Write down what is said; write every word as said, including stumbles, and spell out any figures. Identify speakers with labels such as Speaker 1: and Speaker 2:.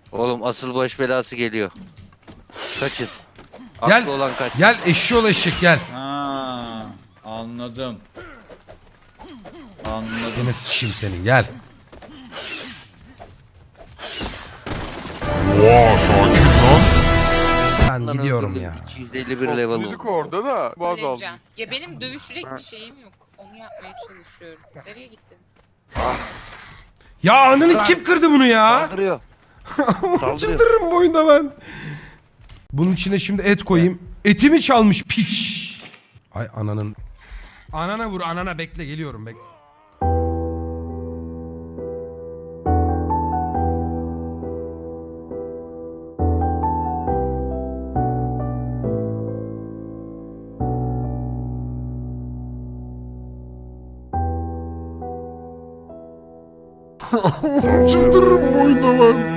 Speaker 1: Oğlum asıl baş belası geliyor. Kaçın.
Speaker 2: Gel.
Speaker 1: Aklı olan kaç.
Speaker 2: Gel eşşoğlu eşek gel.
Speaker 3: Ha, anladım. Anladım.
Speaker 2: Yine sıçayım senin gel.
Speaker 4: Oha sakin lan.
Speaker 2: Ben
Speaker 1: Lan
Speaker 2: gidiyorum
Speaker 1: öldürdüm.
Speaker 2: ya.
Speaker 1: iki yüz elli bir level
Speaker 5: Topluluk
Speaker 1: oldu.
Speaker 5: orada da baz aldım.
Speaker 6: Öleceğim. Ya benim dövüşecek bir şeyim yok. Onu yapmaya çalışıyorum. Nereye gittin?
Speaker 2: Ya ananı kim kırdı bunu ya?
Speaker 1: Saldırıyor. Saldırıyor.
Speaker 2: Çıldırırım bu oyunda ben. Bunun içine şimdi et koyayım. Etimi çalmış piç. Ay ananın. Anana vur anana bekle geliyorum bekle.
Speaker 4: Çıldırırım bu oyunda ben.